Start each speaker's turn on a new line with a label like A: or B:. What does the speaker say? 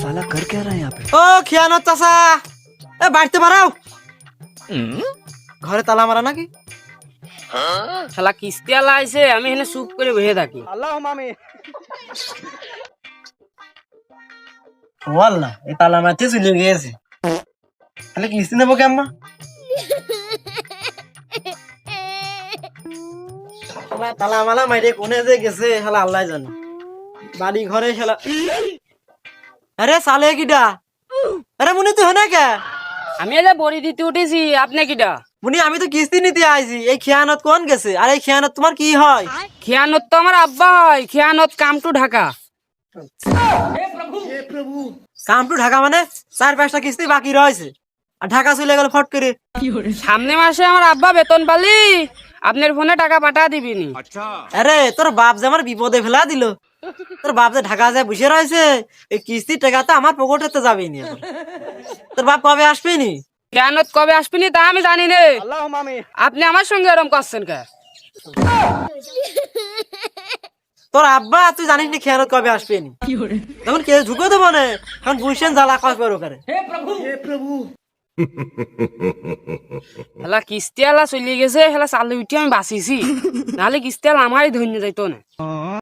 A: साला कर क्या रहा है यहाँ पे?
B: ও খিয়ানত চাচা এ বাড়িতে বাড়াও ঘরে তালা মারা নাকি
C: শালা কিস্তি আলা আইছে আমি এখানে চুপ করে বসে থাকি
B: ওয়াল্লাহ এই তালা মারতে চলে গিয়েছে তাহলে কিস্তি নেবো কে আম্মা তালা মালা মাইরে কোনে যে গেছে শালা আল্লাহ জানে বাড়ি ঘরে শালা আরে সালে কিডা আরে মুনি তুই হনে কে
C: আমি এলে বড়ি দিতে উঠেছি আপনি কিডা
B: মুনি আমি তো কিস্তি নিতে আইছি এই খিয়ানত কোন গেছে আর এই খিয়ানত তোমার কি হয়
C: খিয়ানত তো আমার আব্বা হয় খিয়ানত come to Dhaka
B: come to Dhaka মানে 4-5টা কিস্তি বাকি রয়েছে আর ঢাকা চলে গেল ফট করে
C: সামনে মাসে আমার আব্বা বেতন পালি আপনার ফোনে টাকা পাঠা দিবিনি
B: আরে তোর বাপ যে আমার বিপদে ফেলা দিল তোর বাপ যে ঢাকা যায় বসে রয়েছে এই কিস্তির টাকা তো আমার পকেটে তো যাবেই নি তোর বাপ কবে আসবে নি
C: খিয়ানত কবে আসবিনি তা আমি জানি নে আপনি আমার সঙ্গে এরকম করছেন কে
B: তোর আব্বা তুই জানিস নি খেয়ানত কবে আসবে নি তখন কে ঢুকে দেবো না এখন বুঝছেন জ্বালা কয় করে ওখানে
C: হেলা কিস্তি আলা চলে গেছে হেলা চালু উঠি আমি বাঁচিছি নাহলে কিস্তি আলা আমারই ধন্য যাইতো না